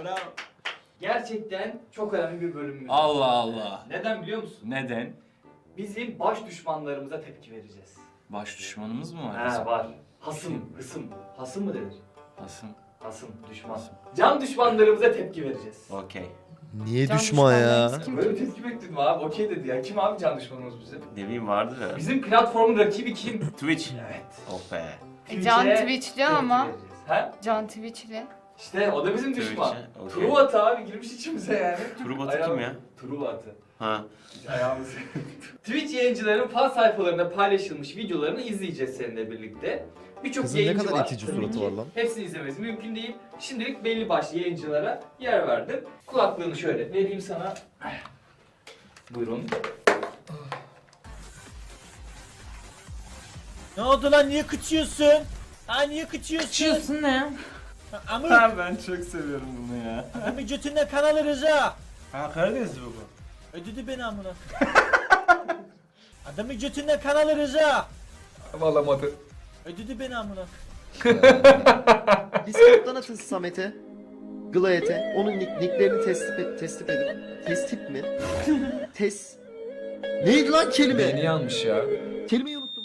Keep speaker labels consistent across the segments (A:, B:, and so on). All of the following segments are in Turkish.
A: Bravo.
B: Gerçekten çok önemli bir bölümümüz.
A: Allah Allah.
B: Neden biliyor musun?
A: Neden?
B: Bizim baş düşmanlarımıza tepki vereceğiz.
A: Baş düşmanımız mı var?
B: Ha var. Hasım, hısım. Hasım mı denir?
A: Nasıl?
B: Hasım, düşman. Can düşmanlarımıza tepki vereceğiz.
A: Okey.
C: Niye
D: Can
C: düşman ya?
D: düşmanlarımız kim?
B: Böyle bir tepki bekledim abi. Okey dedi ya. Kim abi can düşmanımız bizim?
A: Ne bileyim vardır ya.
B: Bizim platformun rakibi kim?
A: Twitch.
B: Evet.
A: Oh be.
D: Can
B: Twitch'e
D: Twitch'li
B: tepki
D: ama.
B: vereceğiz. Ha?
D: Can Twitch'li.
B: İşte o da bizim
A: Twitch'e,
B: düşman.
A: okey.
B: Truvatı abi girmiş içimize yani.
A: Truvatı kim ya?
B: Truvatı.
A: Ha.
B: Ayağımız. Twitch yayıncıların fan sayfalarında paylaşılmış videolarını izleyeceğiz seninle birlikte. Birçok
C: Kızın ne
B: yayıncı
C: kadar
B: var.
C: itici
B: Tabii
C: suratı
B: ki
C: var lan.
B: Hepsini izlemesi mümkün değil. Şimdilik belli başlı yayıncılara yer verdim. Kulaklığını şöyle vereyim sana. Buyurun.
E: Ne oldu lan, niye kıçıyorsun? Ha, niye kıçıyorsun?
D: Çiyorsun ne?
E: Amır,
A: Ben çok seviyorum bunu ya.
E: adamı götünden kan alırız ha.
A: Ha Karadenizli bu.
E: Ödedi beni amına. Adamı götünden kan alırız ha.
B: Alamadı.
E: Ödedi beni amına.
C: Discord'dan atın Samet'e. Glayet'e. Onun nicklerini tespit edip. Testip mi? Neydi lan kelime?
B: Beni yanmış ya.
C: Kelimeyi unuttum.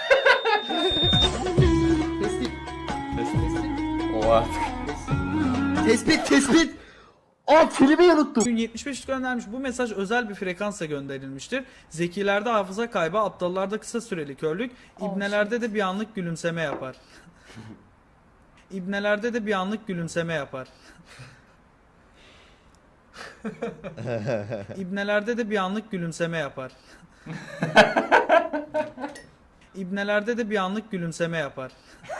C: Tespit.
A: O artık.
C: Tespit. Aa kelimeyi unuttum.
F: Bugün 75 göndermiş. Bu mesaj özel bir frekansla gönderilmiştir. Zekilerde hafıza kaybı, aptallarda kısa süreli körlük, ibnelerde de bir anlık gülümseme yapar. İbnelerde de bir anlık gülümseme yapar. İbnelerde de bir anlık gülümseme yapar. İbnelerde de bir anlık gülümseme yapar.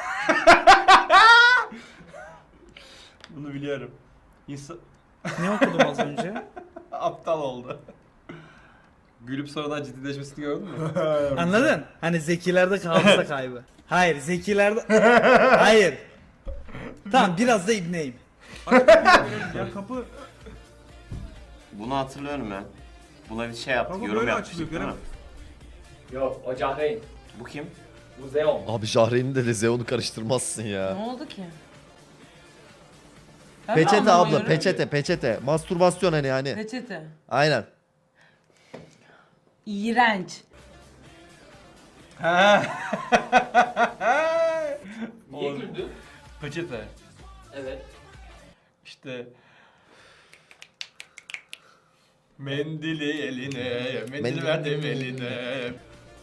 A: Bunu biliyorum. İnsan
F: Ne okudum az önce?
A: aptal oldu. Gülüp sonradan ciddileşmesini gördün mü?
F: Anladın? Hani zekilerde hafıza kaybı. Hayır, zekilerde... Hayır. Tamam, biraz da ibneyim.
G: Ya kapı
A: Bunu hatırlıyorum ya. Buna bir şey yaptık,
G: Ama
A: yorum
G: böyle
A: yapmıştık
G: açılıyor,
A: değil mi?
B: Yok o Cahreyn.
A: Bu kim?
B: Bu Zeon.
C: Abi Jahreyn'i de Lezeon'u karıştırmazsın
D: Ne
C: ya.
D: oldu ki? Ben
C: Peçete abla
D: anlamıyorum.
C: peçete. Mastürbasyon hani yani.
D: Peçete.
C: Aynen.
D: İğrenç.
B: Niye güldün?
A: Peçete.
B: Evet.
A: İşte mendili eline, mendil verdim eline.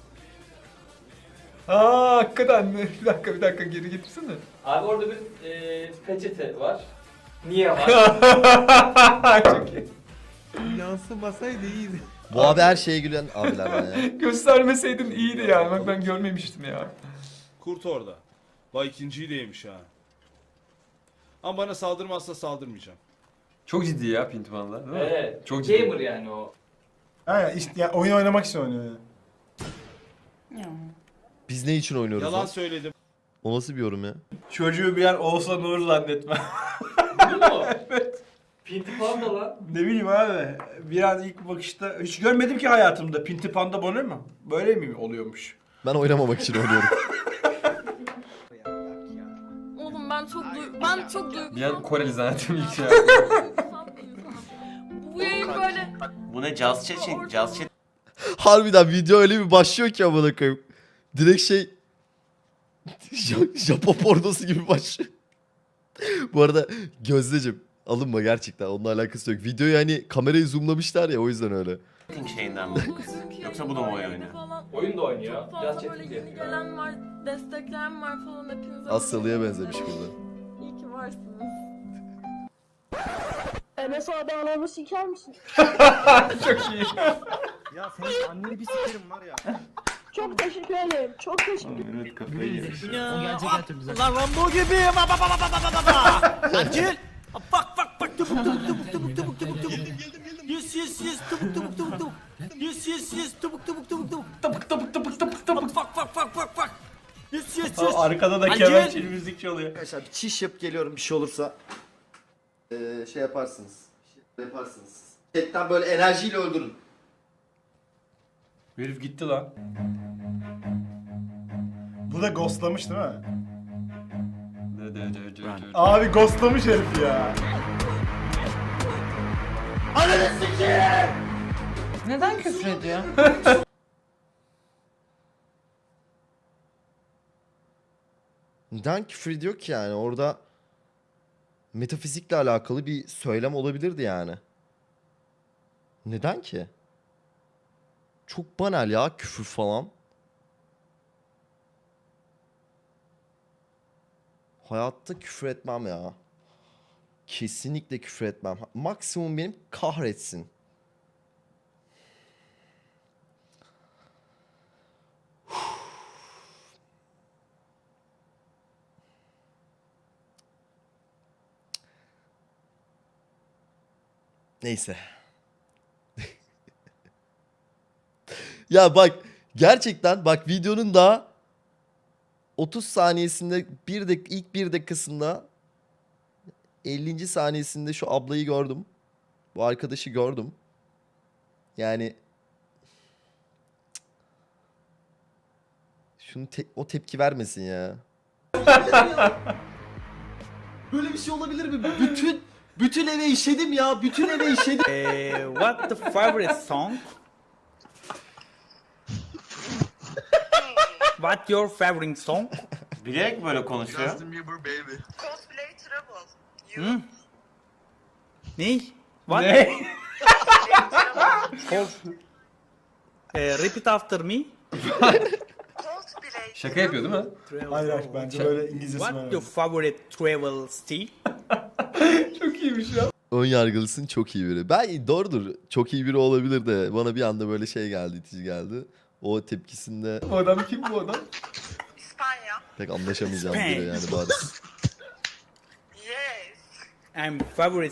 H: Aa hakikaten bir dakika geri getirsene.
B: Abi orada bir peçete var. Niye var?
H: Çok iyi.
G: yansımasaydı iyiydi.
C: Bu abi her şeye gülen abilerden ya.
H: Göstermeseydin iyiydi yani. Bak ben görmemiştim ya.
G: Kurt orada. Vay ikinciyi de yemiş ha. Ama bana saldırmazsa saldırmayacağım.
A: Çok ciddi ya Pintiman'la değil mi?
B: Evet.
A: Çok ciddi.
B: Gamer yani o.
H: Ha işte ya, oyun oynamak için oynuyor yani.
D: Ya.
C: Biz ne için oynuyoruz
G: Yalan
C: lan?
G: söyledim.
C: O nasıl bir yorum ya?
A: Çocuğu bir yer Oğuzhan Uğur zannetme.
B: Değil mi o? Evet. Pinti Panda lan.
A: Ne bileyim abi. Bir an ilk bakışta hiç görmedim ki hayatımda. Pinti Panda böyle mi? Böyle mi oluyormuş?
C: Ben oynamamak için oynuyorum.
I: Oğlum ben çok duygusal.
A: Bir an Koreli zannettim ilk şey.
I: duygusal bir insanım. Bu yayın böyle
A: Bu ne? Caz chat? Caz chat
C: Harbiden video öyle bir başlıyor ki amına koyayım. Direkt şey Japon pornosu gibi başlıyor. Bu arada Gözdeciğim alınma gerçekten onunla alakası yok. Videoyu hani kamerayı zoomlamışlar ya o yüzden öyle.
A: şeyinden mi? Yoksa bu da mı oyun oynuyor?
I: falan.
B: Oyun da oynuyor.
I: Çok
B: Biraz
I: fazla böyle
B: chatting de
I: yeni
B: yapıyor.
I: gelen var, destekleyen var falan hepinize.
C: Asyalı'ya benzemiş burada.
I: İyi ki varsınız.
J: Enes abi anamı siker misin?
H: Çok iyi.
G: Ya senin anneni bir sikerim var ya.
J: Çok teşekkür ederim. Çok teşekkür ederim.
A: Evet kafayı yemiş.
E: Lan Rambo gibiyim. Acil. Bak tubuk. Yes tubuk. Yes tubuk. Bak. Yes.
A: Arkada da
E: Acil.
A: kemençeli müzik çalıyor.
C: Arkadaşlar bir çiş yapıp geliyorum bir şey olursa. Şey yaparsınız. Chatten böyle enerjiyle öldürün.
A: Herif gitti lan.
H: Bu da ghostlamış değil mi?
A: Dö.
H: Abi ghostlamış herif ya.
D: Neden küfür ediyor?
C: Neden küfür ediyor ki yani? Orada metafizikle alakalı bir söylem olabilirdi yani. Neden ki? Çok banal ya küfür falan. Hayatta küfür etmem ya. Kesinlikle küfür etmem. Maksimum benim kahretsin. Neyse. Ya bak gerçekten bak videonun daha 30 saniyesinde ilk 1 dakikasında 50. saniyesinde şu ablayı gördüm. Bu arkadaşı gördüm. Yani o tepki vermesin ya. Böyle bir şey olabilir mi? Bütün eve işedim ya. Bütün eve işedim.
F: What the favorite song? What your favorite song?
E: Bilerek böyle konuşuyor.
F: Hı? Ne? What?
A: Ne?
F: Repeat after me.
H: Şaka yapıyor değil mi? Hayır hayır bence böyle İngilizcesi var.
F: What your favorite travel style?
H: Çok iyiymiş ya.
C: Ön yargılısın çok iyi biri. Ben doğrudur. Çok iyi biri olabilir de bana bir anda böyle şey geldi, itici geldi. O tepkisinde
H: Bu adam kim bu adam?
C: pek anlaşamayacağım biri yani bariz.
F: I'm favorite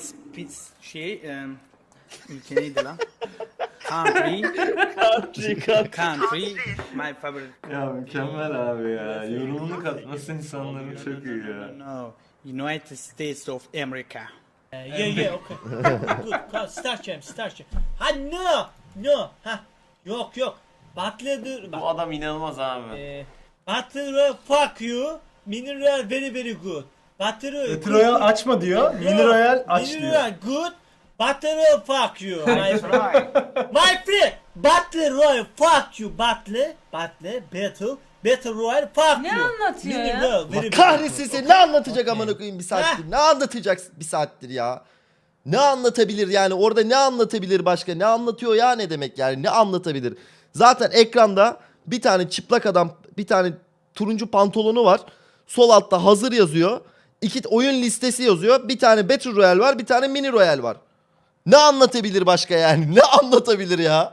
F: ülke neydi lan? Country. Country. My favorite.
E: Ya mükemmel abi ya. Yorumunu katması insanların çok iyi ya.
F: No. United States of America.
E: Yeah, okay. Good. Start. Ha no. Ha. Yok. Butler bu adam inanılmaz abi. Butler fuck you. Mineral very good. Butler
H: Royal açma diyor. Mini Royal aç diyor.
E: Mineral good. Butler fuck you. My friend. Butler Royal fuck you. Butler Battle Royal fuck
D: Ne
E: you.
D: anlatıyor ya?
E: Mineral very
C: Kahretsin seni ne anlatacak amına koyayım bir saattir? Ne anlatacak bir saattir ya? Ne anlatabilir yani? Orada ne anlatabilir başka? Ne anlatıyor ya ne demek yani? Ne anlatabilir? Zaten ekranda bir tane çıplak adam, bir tane turuncu pantolonu var. Sol altta hazır yazıyor. 2 oyun listesi yazıyor. Bir tane Battle Royale var, bir tane Mini Royale var. Ne anlatabilir başka yani? Ne anlatabilir ya?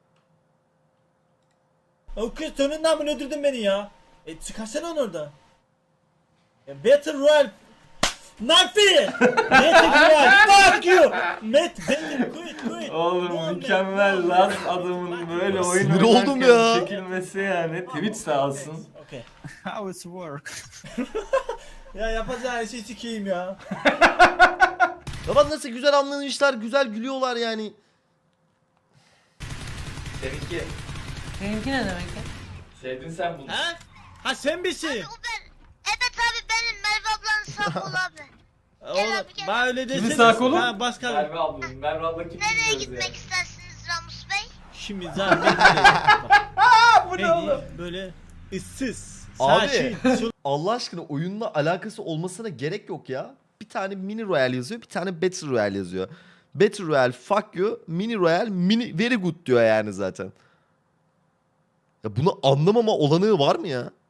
E: O kız sonundan mı öldürdün beni ya? Çıkarsana onu orada. Battle Royale. Nafi! Battle Royale fuck you! Quit.
B: Oğlum mükemmel lan adamın böyle oyun
C: Sinir oldum ya.
B: çekilmesi yani. Twitch sağ olsun.
E: Okay.
F: How it work?
E: Ya yapacağın şey sikeyim ya.
C: Ya bak nasıl güzel anlamışlar, güzel gülüyorlar yani.
B: Seninki.
D: Benimki ne demek ya?
B: Sevdin sen bunu.
E: Ha sen misin?
J: Evet abi benim Merve ablanın sağ kolu abi.
E: Oğlum bana öyle desene.
H: Kimin sağ kolu?
E: Ha başka.
B: Merve ablanın. Merve abla kim
J: Nereye
B: biliyoruz
J: gitmek
B: yani.
J: istersiniz Ramus Bey?
E: Şimdi zaten bu ne oğlum? Böyle ıssız.
C: Abi Allah aşkına oyunla alakası olmasına gerek yok ya. Bir tane Mini Royale yazıyor, bir tane Battle Royale yazıyor. Battle Royale fuck you, Mini Royale mini very good diyor yani zaten. Ya bunu anlamama olanağı var mı ya?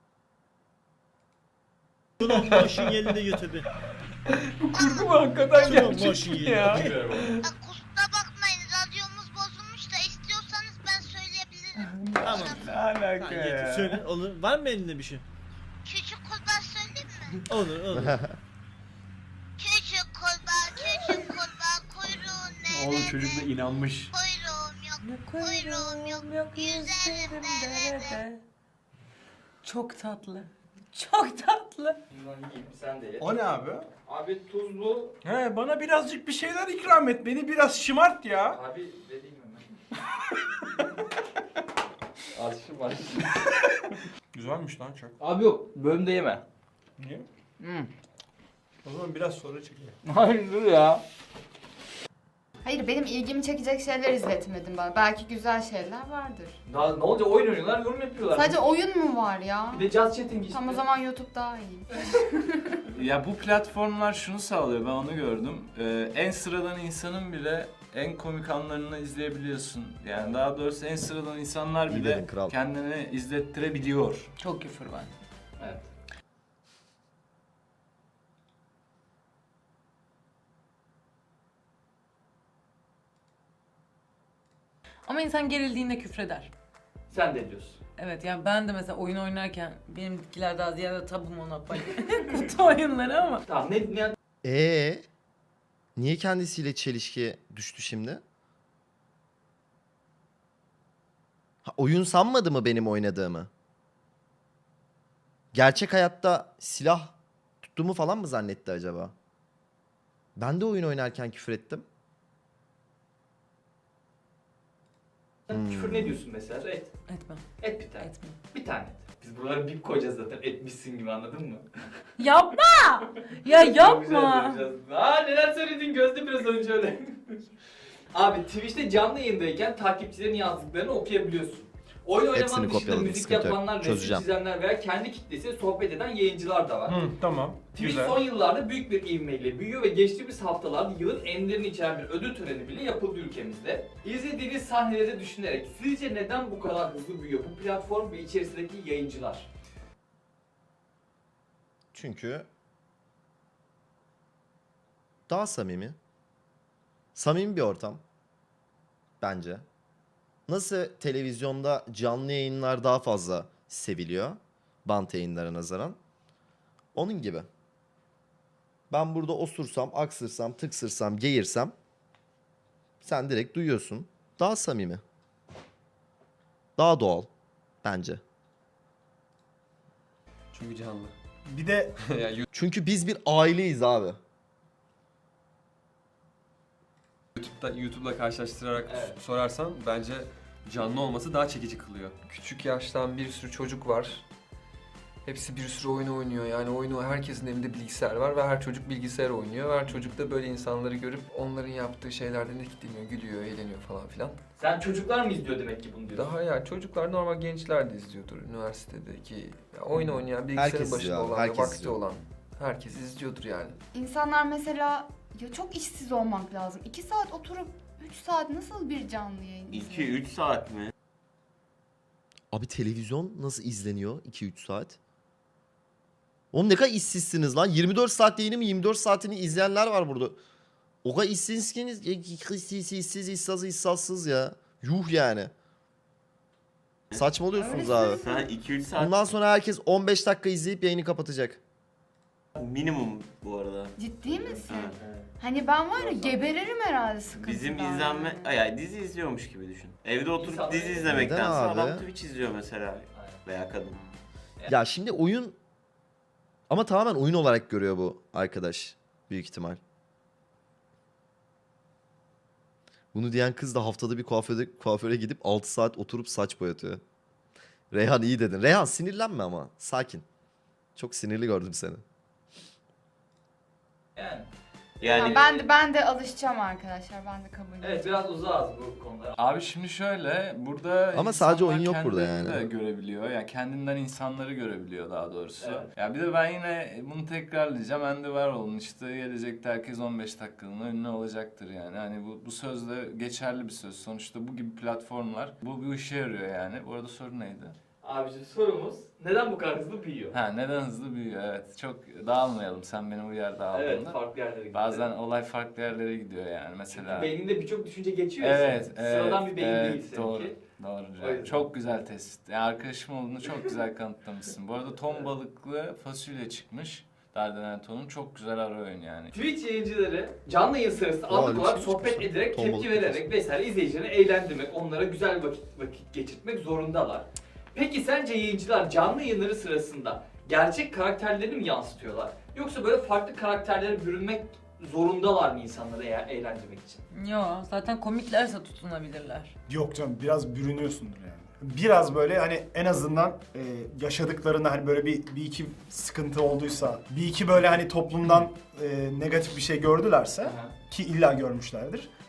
E: Slow motion yerinde YouTube'u.
H: Kurgu mu hakikaten
E: Slow
H: gerçek
E: motion
H: ya?
E: yerinde.
B: Bilmiyorum oğlum.
J: Kusura bakmayın radyomuz bozulmuş da istiyorsanız ben söyleyebilirim.
E: Tamam.
B: Ne alaka
E: Ha,
B: ya?
E: söyle olur. Var mı elinde bir şey?
J: Küçük kurbağa söyleyeyim mi?
E: Olur.
J: Küçük kurbağa kuyruğun nerede?
A: Oğlum çocuk da inanmış.
J: Kuyruğum yok yüzerim derede.
D: Çok tatlı. Çok tatlı.
B: Bundan yiyeyim, sen de ye.
A: O ne abi?
B: Abi tuzlu.
A: He bana birazcık bir şeyler ikram et. Beni biraz şımart ya.
B: Abi dediğim hemen. Az şu var.
A: Güzelmiş lan çok.
B: Abi yok bölümde yeme.
A: Niye?
B: Hmm.
A: O zaman biraz sonra çekelim.
B: Hayır dur ya.
K: Hayır, benim ilgimi çekecek şeyler izletmedin bana. Belki güzel şeyler vardır.
B: Daha ne olacak, oyun oynuyorlar, yorum yapıyorlar.
K: Sadece oyun mu var ya?
B: Bir de just chatting işte.
K: Tam o zaman YouTube daha iyi.
L: Ya bu platformlar şunu sağlıyor, ben onu gördüm. En sıradan insanın bile en komik anlarını izleyebiliyorsun. Yani daha doğrusu en sıradan insanlar
C: İyi
L: bile
C: dedin kral.
L: kendini izlettirebiliyor.
D: Çok küfür var.
B: Evet.
D: Ama insan gerildiğinde küfreder.
B: Sen de diyorsun.
D: Evet yani ben de mesela oyun oynarken benimkiler daha ziyade tabu Monopoly. Kutu oyunları ama.
B: Tamam ne
C: Niye kendisiyle çelişkiye düştü şimdi? Ha, oyun sanmadı mı benim oynadığımı? Gerçek hayatta silah tuttuğumu falan mı zannetti acaba? Ben de oyun oynarken küfür ettim.
B: küfür ne diyorsun mesela? Et.
D: Etmem.
B: Et bir tane.
D: Etmem.
B: Bir tane et. Biz buralara bip koyacağız zaten, etmişsin gibi, anladın mı?
D: Yapma! Ya yapma!
B: Çok güzel yapacağız. Aa, neler söyledin Gözde biraz önce öyle. Abi Twitch'te canlı yayındayken takipçilerin yazdıklarını okuyabiliyorsun. Oyun
C: Hepsini
B: oynamanın dışında
C: kopyaladım,
B: müzik
C: sıkıntı yok.
B: yapanlar, resim
C: Çözeceğim.
B: çizenler veya kendi kitlesiyle sohbet eden yayıncılar da var.
H: Tamam.
B: Twitch
H: Güzel.
B: son yıllarda büyük bir ivmeyle büyüyor ve geçtiğimiz haftalarda yılın enlerini içeren bir ödül töreni bile yapıldı ülkemizde. İzlediğiniz sahneleri düşünerek sizce neden bu kadar hızlı büyüyor bu platform ve içerisindeki yayıncılar?
C: Çünkü daha samimi. Samimi bir ortam. Bence. Nasıl televizyonda canlı yayınlar daha fazla seviliyor bant yayınlara nazaran. Onun gibi. Ben burada osursam, aksırsam, tıksırsam, geğirsem sen direkt duyuyorsun. Daha samimi. Daha doğal bence.
H: Çünkü canlı. Bir de
C: Çünkü biz bir aileyiz abi.
M: YouTube'la karşılaştırarak
B: Evet.
M: sorarsan bence canlı olması daha çekici kılıyor.
N: Küçük yaştan bir sürü çocuk var. Hepsi bir sürü oyun oynuyor. Yani oyunu herkesin evinde bilgisayar var ve her çocuk bilgisayar oynuyor. Ve her çocuk da böyle insanları görüp onların yaptığı şeylerden etkileniyor, gülüyor, eğleniyor falan filan.
B: Sen çocuklar mı izliyor demek ki bunu diyorsun?
N: Daha ya çocuklar normal gençler de izliyordur üniversitedeki. Ya oyun oynayan, bilgisayarın
C: Herkes
N: başında
C: izliyor abi,
N: olan ve
C: herkes
N: vakti
C: izliyor.
N: olan herkes izliyordur yani.
K: İnsanlar mesela ya çok işsiz olmak lazım. 2 saat oturup 3 saat nasıl bir canlı yayın izliyor?
O: 2-3 saat mi?
C: Abi televizyon nasıl izleniyor 2-3 saat? Oğlum ne kadar işsizsiniz lan. 24 saat yayını mı 24 saatini izleyenler var burada. O kadar işsizsiniz. İşsiz, işsizsız ya. Yuh yani. Saçmalıyorsunuz abi.
O: Sen 2-3 saat
C: Bundan sonra herkes 15 dakika izleyip yayını kapatacak.
O: minimum bu arada.
K: Ciddi misin?
O: Evet.
K: Hani ben var ya geberirim herhalde sıkıntıdan.
O: Bizim izlenme, yani dizi izliyormuş gibi düşün. Evde oturup
B: İnsanlar-
O: dizi izlemektense
C: Neden abi?
O: adam Twitch izliyor mesela. Veya kadın.
C: Ya şimdi oyun... Ama tamamen oyun olarak görüyor bu arkadaş. Büyük ihtimal. Bunu diyen kız da haftada bir kuaföre gidip 6 saat oturup saç boyatıyor. Reyhan iyi dedin. Reyhan sinirlenme ama. Sakin. Çok sinirli gördüm seni.
B: Yani.
O: Yani
K: Ben de alışacağım arkadaşlar. Ben de kabul ediyorum.
B: Evet, biraz uzağız bu konuda.
L: Abi şimdi şöyle, burada
C: Ama sadece
L: insanlar
C: oyun yok burada
L: kendilerini
C: yani.
L: de görebiliyor. Yani kendinden insanları görebiliyor daha doğrusu.
B: Evet.
L: Ya bir de ben yine bunu tekrarlayacağım. Ben de var olun işte, gelecekte herkes 15 dakikalığına ünlü olacaktır yani. Hani bu söz de geçerli bir söz. Sonuçta bu gibi platformlar bu işe yarıyor yani. Bu arada soru neydi?
B: Abiciğim sorumuz neden bu kadar hızlı büyüyor?
L: Ha, neden hızlı büyüyor, evet. Çok dağılmayalım, sen beni uyar dağıldığında.
B: Evet, farklı yerlere gidiyor.
L: Bazen olay farklı yerlere gidiyor yani mesela.
B: Beyninde birçok düşünce geçiyor ya.
L: Evet,
B: Sıradan bir beyin değil seninki.
L: doğru. Doğru.
B: O yüzden.
L: Çok güzel tespit. Yani arkadaşım olduğunu çok güzel kanıtlamışsın. Bu arada ton balıklı fasulye çıkmış. Dardanelton'un çok güzel ara oyun yani.
B: Twitch yayıncıları canlı yayın sırasında anlık
C: öyle
B: olarak
C: bir şey
B: sohbet
C: çıkmış.
B: ederek,
C: Ton
B: tepki
C: balıklı
B: vererek vesaire izleyicilerini eğlendirmek, onlara güzel vakit geçirtmek zorundalar. Peki sence yayıncılar canlı yayınları sırasında gerçek karakterlerini mi yansıtıyorlar? Yoksa böyle farklı karakterlere bürünmek zorundalar mı insanları eğlendirmek için?
D: Yo zaten komiklerse tutunabilirler.
H: Yok canım, biraz bürünüyorsundur yani. Biraz böyle hani en azından yaşadıklarında hani böyle bir iki sıkıntı olduysa, bir iki böyle hani toplumdan negatif bir şey gördülerse, ki illa görmüşlerdir.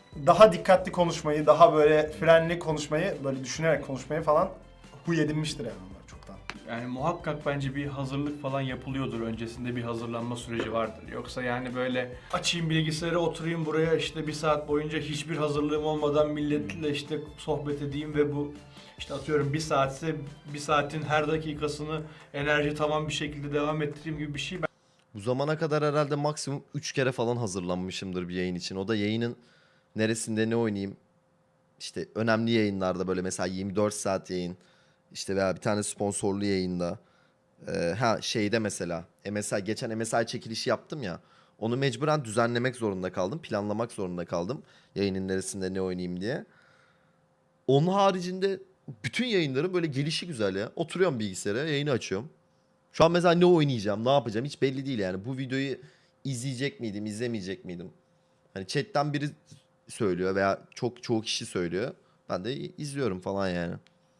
H: daha dikkatli konuşmayı, daha böyle frenli konuşmayı, böyle düşünerek konuşmayı falan huy edinmiştir yani onlar çoktan.
A: Yani muhakkak bence bir hazırlık falan yapılıyordur. Öncesinde bir hazırlanma süreci vardır. Yoksa yani böyle açayım bilgisayarı, oturayım buraya işte bir saat boyunca hiçbir hazırlığım olmadan milletle işte sohbet edeyim ve bu işte atıyorum bir saatse bir saatin her dakikasını enerji tamam bir şekilde devam ettireyim gibi bir şey.
C: Bu zamana kadar herhalde maksimum 3 kere falan hazırlanmışımdır bir yayın için. O da yayının neresinde ne oynayayım. İşte önemli yayınlarda böyle mesela 24 saat yayın. İşte veya bir tane sponsorlu yayında. Şeyde mesela geçen MSI çekilişi yaptım ya. Onu mecburen düzenlemek zorunda kaldım. Planlamak zorunda kaldım. Yayının neresinde ne oynayayım diye. Onun haricinde bütün yayınların böyle gelişi güzel ya. Oturuyorum bilgisayara, yayını açıyorum. Şu an mesela ne oynayacağım, ne yapacağım hiç belli değil yani. Bu videoyu izleyecek miydim, izlemeyecek miydim? Hani chatten biri söylüyor veya çoğu kişi söylüyor. Ben de izliyorum falan yani.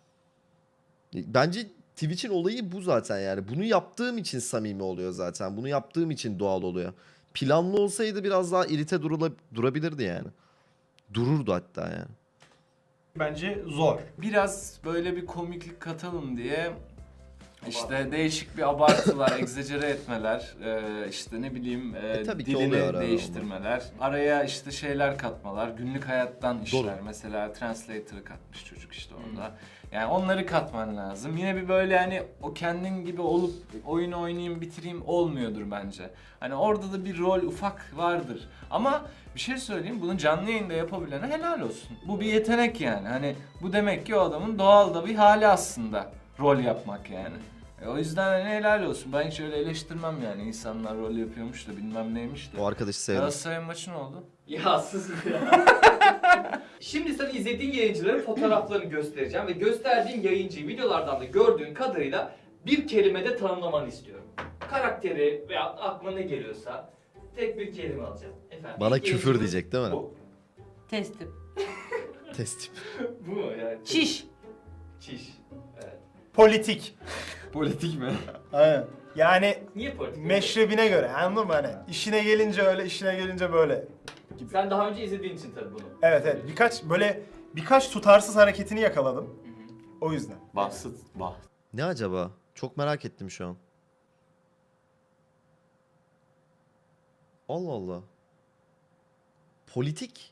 C: Bence Twitch'in olayı bu zaten yani. Bunu yaptığım için samimi oluyor zaten. Bunu yaptığım için doğal oluyor. Planlı olsaydı biraz daha irite durabilirdi yani. Dururdu hatta yani.
A: Bence zor.
L: Biraz böyle bir komiklik katalım diye işte değişik bir abartılar, egzajere etmeler, işte ne bileyim
C: tabii ki
L: dilini
C: oluyor arada
L: değiştirmeler, araya işte şeyler katmalar, günlük hayattan işler. Mesela translator'ı katmış çocuk işte orada. Yani onları katman lazım. Yine bir böyle hani o kendin gibi olup oyunu oynayayım bitireyim olmuyordur bence. Hani orada da bir rol ufak vardır. Ama bir şey söyleyeyim, bunu canlı yayında yapabilene helal olsun. Bu bir yetenek yani. Hani bu demek ki o adamın doğal da bir hali aslında rol yapmak yani. O yüzden hani helal olsun. Ben hiç öyle eleştirmem yani. İnsanlar rol yapıyormuş da bilmem neymiş de.
C: O arkadaşı sevdim.
L: Galatasaray'ın maçı ne oldu?
B: Ya sus ya. Şimdi sana izlediğin yayıncıların fotoğraflarını göstereceğim ve gösterdiğin yayıncıyı videolardan da gördüğün kadarıyla bir kelimede tanımlamanı istiyorum. Karakteri veya aklına ne geliyorsa tek bir kelime alacağım. Efendim,
C: Bana
B: ilk
C: küfür
B: yayıncımız
C: diyecek değil mi?
B: Bu.
D: Testim.
C: Testim.
B: Bu mu yani?
D: Çiş.
B: Çiş. Evet.
H: Politik.
M: Politik mi?
H: Aynen. Yani
B: Niye politik?
H: meşrebine göre anladın mı hani? İşine gelince öyle, işine gelince böyle.
B: Sen daha önce izlediğin için tabii bunu.
H: Evet. Birkaç tutarsız hareketini yakaladım. O yüzden.
C: Ne acaba? Çok merak ettim şu an. Allah Allah. Politik.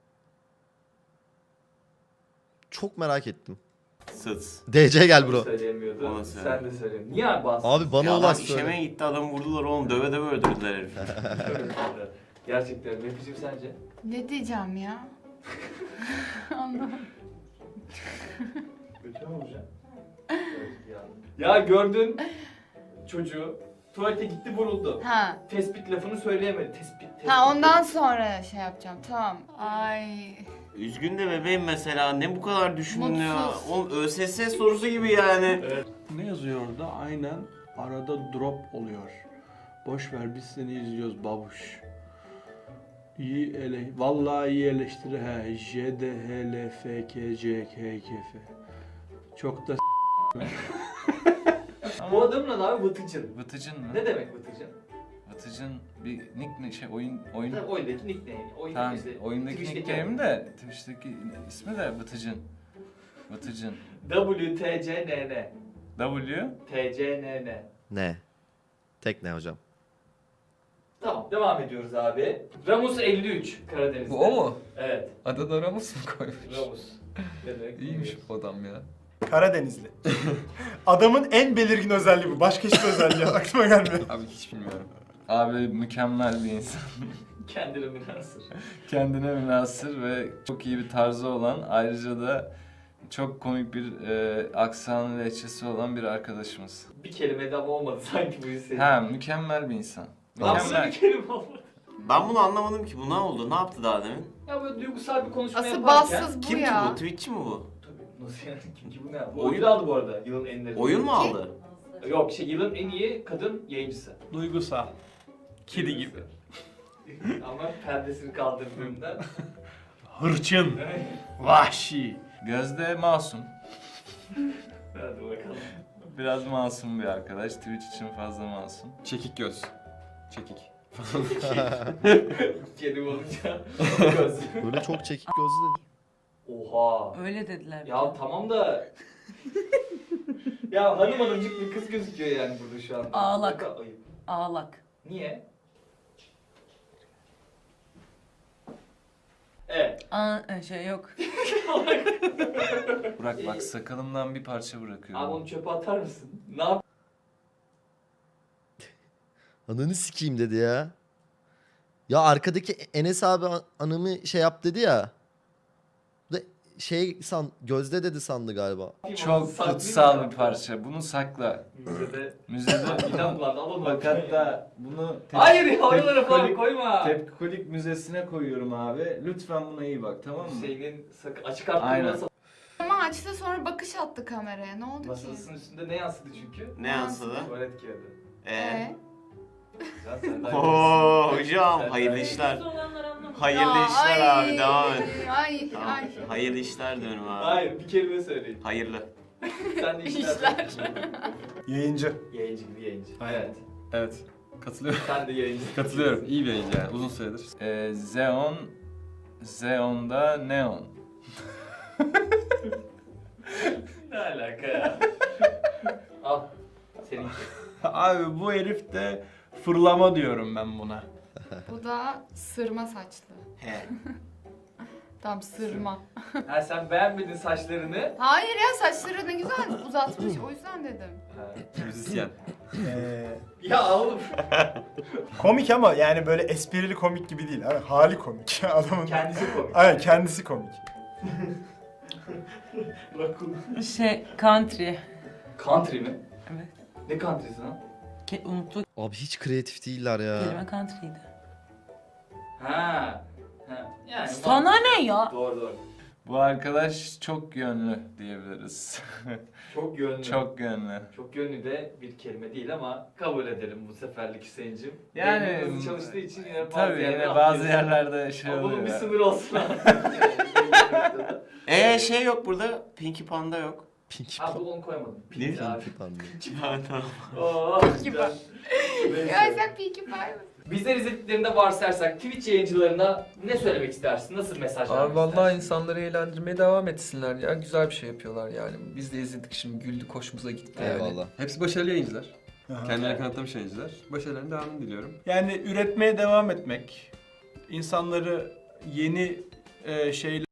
C: Çok merak ettim. DC gel bro.
B: Söyleyemiyordu.
O: Ona söyle.
B: Sen de söyle. Niye abi bastın?
C: Abi bana
O: Ya
C: olan
O: adam
C: söyle.
O: işemeye gitti, adamı vurdular oğlum, döve döve öldürdüler herifi.
B: Gerçekten. Mefis'im sence?
K: Ne diyeceğim ya? Anlamadım.
B: Kötü mü olacak? Ya gördün çocuğu tuvalete gitti vuruldu.
K: Ha.
B: Tespit lafını söyleyemedi. Tespit.
K: Ha ondan sonra şey yapacağım. Tamam. Ay.
O: Üzgün de bebeğim mesela, ne bu kadar düşündün ya?
K: Mutsuz.
O: Oğlum ÖSS sorusu gibi yani.
A: Ne yazıyor orada? Aynen arada drop oluyor. Boş ver biz seni izliyoruz babuş. Vallahi iyi eleştiri he. J D H L F K C K K F. Çok da
B: Bu adamın adı abi Vıtıcın.
L: Vıtıcın mı?
B: Ne demek Vıtıcın?
L: Vıtıcın bir oyun
B: Tabii oyundaki nickname. Oyundaki
L: tamam,
B: işte,
L: oyundaki
B: Twitch'teki
L: nickname de Twitch'teki ismi de Vıtıcın. Vıtıcın.
B: WTCNN.
L: W
B: TCNN.
C: Ne? Tek ne hocam?
B: Tamam devam ediyoruz abi. Ramus 53 Karadeniz'de.
N: Bu o mu?
B: Evet.
N: Adını Ramus mu koymuş?
B: Ramus. Ne demek?
N: İyiymiş bu adam ya.
H: Karadenizli. Adamın en belirgin özelliği bu. Başka hiçbir özelliği aklıma gelmiyor.
N: Abi hiç bilmiyorum.
L: Abi mükemmel bir insan.
B: Kendine münhasır.
L: Kendine münhasır ve çok iyi bir tarzı olan, ayrıca da çok komik bir aksan lehçesi olan bir arkadaşımız.
B: Bir kelimede ama olmadı sanki bu hissettim.
L: Ha, mükemmel bir insan.
B: Nasıl
L: Mükemmel.
B: bir kelime olmadı?
O: Ben bunu anlamadım ki, bu ne oldu? Ne yaptı daha demin?
B: Ya böyle duygusal bir konuşma
K: Asıl
B: yaparken...
K: bassız bu
O: Kim ki
K: ya.
O: bu? Twitch'çi mi bu?
B: Tabii nasıl yani? Kim ki bu ne yaptı?
O: Oyun-
B: Ödül aldı bu arada yılın en iyi.
O: Oyun mu aldı?
B: Yok yılın en iyi kadın yayıncısı.
A: duygusal. Kedi gibi.
B: Ama perdesini kaldırdığında...
A: Hırçın. Vahşi.
L: Gözde masum.
B: Hadi bakalım.
L: Biraz masum bir arkadaş. Twitch için fazla masum.
M: Çekik göz. Çekik.
B: Kedim olunca göz.
C: Böyle çok çekik gözlü.
B: Oha.
D: Öyle dediler.
B: Ya tamam da... ya hanımcık bir kız gözüküyor yani burada şu anda.
D: Ağlak.
B: Ne kadar ayıp.
D: Ağlak.
B: Niye? Evet.
D: Şey yok.
L: Burak bak sakalımdan bir parça bırakıyorum.
B: Abi onu çöpe atar mısın? Ne yap?
C: Ananı sikeyim dedi ya. Ya arkadaki Enes abi anımı şey yap dedi ya. Bu da şey Gözde dedi sandı galiba.
L: Çok kutsal bir parça. Bunu sakla. Müzede
B: İnan lan alalım.
L: bak hatta bunu
B: Hayır ya oralara falan
L: Tepkolik-
B: koyma.
L: Tepkolik Müzesi'ne koyuyorum abi. Lütfen buna iyi bak, tamam mı?
B: Hüseyin'in açık
L: Aynen.
B: arttırması
K: Ama açtı sonra bakış attı kameraya. Ne oldu ki?
B: masasının üstünde ne yansıdı çünkü?
O: Ne yansıdı?
B: Tuvalet kağıdı.
O: Ee?
B: Ya sen daha
O: Oo
B: iyisin.
O: hocam
B: Sen
O: hayırlı
B: daha
O: işler.
K: Ya,
O: Hayırlı işler
K: ay,
O: abi devam et.
K: Ay
O: Tamam.
K: ay.
O: Hayırlı işler diyorum abi.
B: Hayır bir kelime söyleyin.
O: Hayırlı.
B: Sen de
K: İşler.
H: Yayıncı.
B: Yayıncı gibi yayıncı.
M: Aynen.
B: Evet.
M: Evet. Katılıyorum.
B: Sen de yayıncı.
M: Katılıyorum. İyi bir yayıncı yani. Uzun süredir.
L: Zeon'da neon.
B: Ne alaka ya? Al. Seninki.
A: Abi bu herif de fırlama diyorum ben buna.
K: Bu da sırma saçlı.
O: He.
K: Tam sırma.
B: Ha sen beğenmedin saçlarını.
K: Hayır ya saçları ne güzel uzatmış o yüzden dedim.
M: Müzisyen.
B: Ya oğlum.
H: Komik ama yani böyle esprili komik gibi değil. Abi, hali komik. Adamın.
B: Kendisi komik.
H: Aynen kendisi komik.
D: Şey country.
B: Country mi?
D: Evet.
B: Ne country'si lan?
D: Unuttuk.
C: Abi hiç kreatif değiller ya.
D: Kelime country'ydi.
B: Ha. Ha. Yani
D: Sana ne ya?
B: Doğru doğru.
L: Bu arkadaş çok yönlü diyebiliriz.
B: Çok yönlü.
L: Çok yönlü.
B: Çok yönlü de bir kelime değil ama kabul edelim bu seferlik Hüseyin'cim.
L: Yani
B: Beynin hızlı çalıştığı için yine bazı
L: tabii
B: yerlere
L: yine bazı
B: atlıyorsun.
L: yerlerde şey
B: Ama bunun
L: oluyor.
B: bir sınır olsun abi.
O: Şey yok burada. Pinky Panda yok.
C: Pinky
B: Ha bu onu koymadım.
O: Ne?
B: Pinky abi.
C: Panda.
O: Panda.
B: Oo,
K: Pinky
B: güzel.
K: Ya sen Pinkie Pie mısın?
B: Bizler izlediklerinde varsayarsak Twitch yayıncılarına ne söylemek istersin? Nasıl mesaj
N: Abi
B: vermek
N: vallahi
B: istersin?
N: insanları eğlendirmeye devam etsinler ya. Güzel bir şey yapıyorlar yani. Biz de izledik şimdi güldük hoşumuza gitti yani.
C: Eyvallah.
M: Hepsi başarılı yayıncılar.
H: Aha.
M: Kendilerini kanıtlamış yayıncılar. Başarılarının devamını diliyorum.
A: Yani üretmeye devam etmek, insanları yeni şeyler